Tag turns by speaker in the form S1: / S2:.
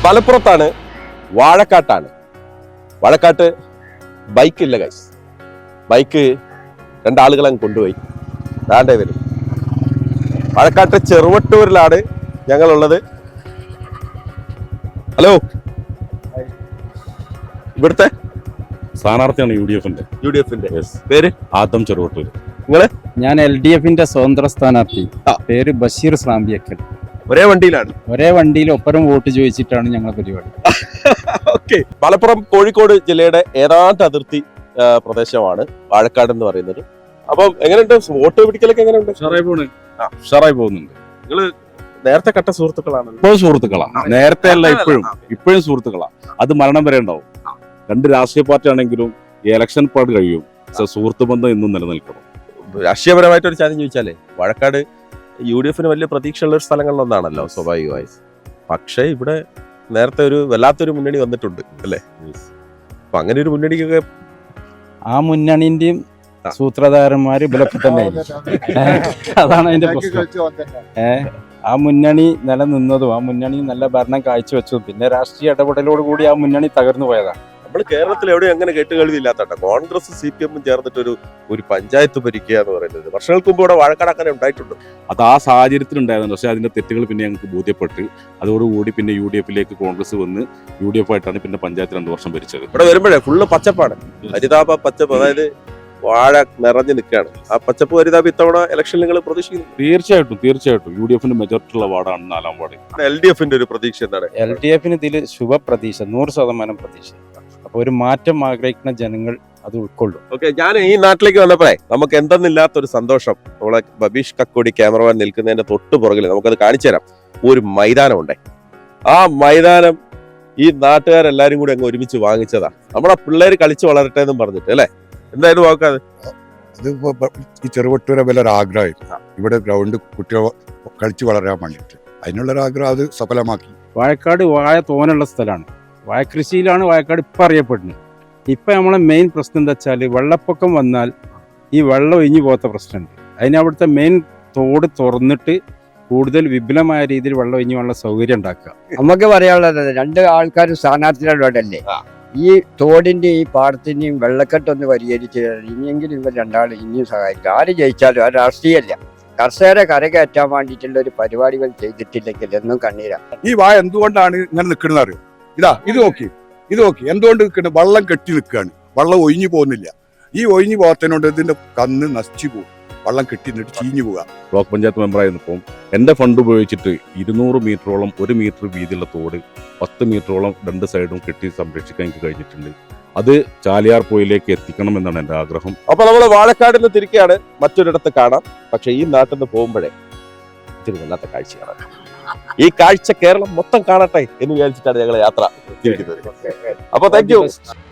S1: മലപ്പുറത്താണ്, വാഴക്കാട്ടാണ്. വാഴക്കാട്ട് ബൈക്കില്ല ഗൈസ്. ബൈക്ക് രണ്ടാളുകളെ കൊണ്ടുപോയി താണ്ടേ വരും. വാഴക്കാട്ട് ചെറുവട്ടൂരിലാണ് ഞങ്ങളുള്ളത്. ഹലോ, ഇവിടുത്തെ
S2: സ്ഥാനാർത്ഥിയാണ് യു ഡി എഫിന്റെ
S1: പേര്
S2: ആദം ചെറുവട്ടൂർ.
S1: നിങ്ങള്?
S3: ഞാൻ LDF-ന്റെ സ്വതന്ത്ര സ്ഥാനാർത്ഥി. പേര് ബഷീർ സ്രാമ്പിയക്കൽ.
S1: ഒരേ വണ്ടിയിലാണ്,
S3: ഒരേ വണ്ടിയിൽ ഒപ്പരം വോട്ട് ചോദിച്ചിട്ടാണ് ഞങ്ങളുടെ പരിപാടി.
S1: ഓക്കെ. മലപ്പുറം കോഴിക്കോട് ജില്ലയുടെ ഏതാണ്ട് അതിർത്തി പ്രദേശമാണ് വാഴക്കാട് എന്ന് പറയുന്നത്. അപ്പം എങ്ങനെയുണ്ട് വോട്ട് പിടിക്കലൊക്കെ? എങ്ങനെയുണ്ട്?
S2: ഉഷാറായി പോകുന്നുണ്ട്.
S1: നിങ്ങള് നേരത്തെ കട്ട സുഹൃത്തുക്കളാണ്?
S2: ഇപ്പോഴും സുഹൃത്തുക്കളാണ്, നേരത്തെ അല്ല ഇപ്പോഴും സുഹൃത്തുക്കളാണ്. അത് മരണം വരെ ഉണ്ടാവും. രണ്ട് രാഷ്ട്രീയ പാർട്ടി ആണെങ്കിലും ഈ ഇലക്ഷൻ പാർട്ട് കഴിയും, സുഹൃത്ത് ബന്ധം എന്നും നിലനിൽക്കണം.
S1: രാഷ്ട്രീയപരമായിട്ട് ഒരു ചോദ്യം ചോദിച്ചാലേ, വാഴക്കാട് UDF-ന് വലിയ പ്രതീക്ഷയുള്ള ഒരു സ്ഥലങ്ങളിലൊന്നാണല്ലോ സ്വാഭാവികമായി. പക്ഷേ ഇവിടെ നേരത്തെ ഒരു വല്ലാത്തൊരു മുന്നണി വന്നിട്ടുണ്ട് അല്ലേ? അപ്പൊ അങ്ങനെ ഒരു മുന്നണിക്കൊക്കെ
S3: ആ മുന്നണിന്റെയും സൂത്രധാരന്മാര് ഇവരൊക്കെ തന്നെ. അതാണ് അതിന്റെ പ്രശ്നം. ആ മുന്നണി നിലനിന്നതും ആ മുന്നണി നല്ല ഭരണം കാഴ്ചവെച്ചതും പിന്നെ രാഷ്ട്രീയ ഇടപെടലോട് കൂടി ആ മുന്നണി തകർന്നു പോയതാണ്.
S1: നമ്മൾ കേരളത്തിൽ എവിടെയും അങ്ങനെ കേട്ടുകേൾവിയില്ലാത്ത കോൺഗ്രസ് CPM ചേർന്നിട്ട് ഒരു പഞ്ചായത്ത് ഭരിക്കുക എന്ന് പറയുന്നത് വർഷങ്ങൾക്ക് മുമ്പ് ഇവിടെ വാഴക്കാട് അങ്ങനെ ഉണ്ടായിട്ടുണ്ട്.
S2: അത് ആ സാഹചര്യത്തിൽ ഉണ്ടായിരുന്നു. പക്ഷേ അതിന്റെ തെറ്റുകൾ പിന്നെ ഞങ്ങൾക്ക് ബോധ്യപ്പെട്ട് അതോടുകൂടി പിന്നെ UDF-ലേക്ക് കോൺഗ്രസ് വന്ന് UDF ആയിട്ടാണ് പിന്നെ പഞ്ചായത്ത് 2 വർഷം ഭരിച്ചത്.
S1: ഇവിടെ വരുമ്പോഴേ ഫുള്ള് പച്ചപ്പാണ്, ഹരിതാപ പച്ചപ്പ്. അതായത് വാഴ നിറഞ്ഞു നിൽക്കുകയാണ്. ആ പച്ചപ്പ് ഹരിതാപ് ഇത്തവണ ഇലക്ഷനിൽ നിങ്ങൾ പ്രതീക്ഷിക്കുന്നു?
S2: തീർച്ചയായിട്ടും UDF-ന്റെ മെജോറിറ്റി ഉള്ള വാർഡാണ് 4ാം വാർഡ്.
S1: LDF-ന്റെ ഒരു പ്രതീക്ഷ എന്താണ്?
S3: LDF-ന് ഇതിൽ ശുഭപ്രതീക്ഷ, 100% പ്രതീക്ഷ. അപ്പൊ ഒരു മാറ്റം ആഗ്രഹിക്കുന്ന ജനങ്ങൾ അത് ഉൾക്കൊള്ളും.
S1: ഓക്കെ. ഞാൻ ഈ നാട്ടിലേക്ക് വന്നപ്പോഴേ നമുക്ക് എന്തെന്നില്ലാത്തൊരു സന്തോഷം. നമ്മളെ ബബീഷ് കക്കോടി ക്യാമറമാൻ നിൽക്കുന്നതിന്റെ തൊട്ട് പുറകിൽ നമുക്കത് കാണിച്ചു തരാം. ഒരു മൈതാനമുണ്ടേ. ആ മൈതാനം ഈ നാട്ടുകാരെല്ലാരും കൂടി അങ്ങ് ഒരുമിച്ച് വാങ്ങിച്ചതാ. നമ്മളെ പിള്ളേര് കളിച്ച് വളരട്ടെ എന്നും പറഞ്ഞിട്ട് അല്ലേ? എന്തായാലും നോക്കാതെ
S4: അത് ഈ ചെറുവട്ടൂരെ വലിയൊരു ആഗ്രഹമായിരുന്നു. ഇവിടെ ഗ്രൗണ്ട് കുട്ടികൾ കളിച്ച് വളരാൻ വേണ്ടിയിട്ട് അതിനുള്ളൊരു ആഗ്രഹം അത് സഫലമാക്കി.
S3: വാഴക്കാട് വാഴ തോനുള്ള സ്ഥലമാണ്. വാഴ കൃഷിയിലാണ് വാഴക്കാട് ഇപ്പം അറിയപ്പെടുന്നത്. ഇപ്പം നമ്മളെ മെയിൻ പ്രശ്നം എന്താ വെച്ചാൽ വെള്ളപ്പൊക്കം വന്നാൽ ഈ വെള്ളം ഒഴിഞ്ഞു പോകാത്ത പ്രശ്നമുണ്ട്. അതിനവിടുത്തെ മെയിൻ തോട് തുറന്നിട്ട് കൂടുതൽ വിപുലമായ രീതിയിൽ വെള്ളം ഒഴിഞ്ഞു പോകാനുള്ള സൗകര്യം ഉണ്ടാക്കുക.
S5: നമുക്ക് പറയാനുള്ളത് 2 ആൾക്കാർ സ്ഥാനാർത്ഥികളോടല്ലേ, ഈ തോടിന്റെ ഈ പാടത്തിന്റെയും വെള്ളക്കെട്ടൊന്ന് പരിഹരിച്ച് ഇനിയെങ്കിലും ഇവർ 2 ഇനിയും സഹായിക്കും. ആര് ജയിച്ചാലും ആ രാഷ്ട്രീയമല്ല, കർഷകരെ കരകയറ്റാൻ വേണ്ടിയിട്ടുള്ള ഒരു പരിപാടികൾ ചെയ്തിട്ടില്ലെങ്കിൽ എന്നും കണ്ണീരാ.
S4: ഈ വാഴ എന്തുകൊണ്ടാണ് ഇങ്ങനെ നിൽക്കുന്നത് അറിയോ? ഇത് നോക്കി എന്തുകൊണ്ട് നിൽക്കുന്നത്? വെള്ളം കെട്ടി നിൽക്കുകയാണ്, വെള്ളം ഒഴിഞ്ഞു പോകുന്നില്ല. ഈ ഒഴിഞ്ഞു പോകത്തിനോണ്ട് ഇതിന്റെ കന്ന് നശിച്ചു പോകും, വെള്ളം കെട്ടി നിന്നിട്ട് ചീഞ്ഞു പോവുക.
S2: ബ്ലോക്ക് പഞ്ചായത്ത് മെമ്പറായിരുന്നപ്പോൾ എൻ്റെ ഫണ്ട് ഉപയോഗിച്ചിട്ട് 200 മീറ്ററോളം 1 മീറ്റർ വീതിയുള്ള തോട് 10 മീറ്ററോളം 2 സൈഡും കെട്ടി സംരക്ഷിക്കാൻ എനിക്ക് കഴിഞ്ഞിട്ടുണ്ട്. അത് ചാലിയാർ പുഴയിലേക്ക് എത്തിക്കണം എന്നാണ് എൻ്റെ ആഗ്രഹം.
S1: അപ്പൊ നമ്മൾ വാഴക്കാടിൽ നിന്ന് തിരിക്കുകയാണ്, മറ്റൊരിടത്ത് കാണാം. പക്ഷെ ഈ നാട്ടിൽ നിന്ന് പോകുമ്പോഴേ ഇത്തിരി വല്ലാത്ത കാഴ്ചയാണ്. ഈ കാഴ്ച കേരളം മൊത്തം കാണട്ടെ എന്ന് വിചാരിച്ചിട്ടാണ് ഞങ്ങൾ യാത്ര തിരിക്കുന്നത്. അപ്പൊ താങ്ക് യു.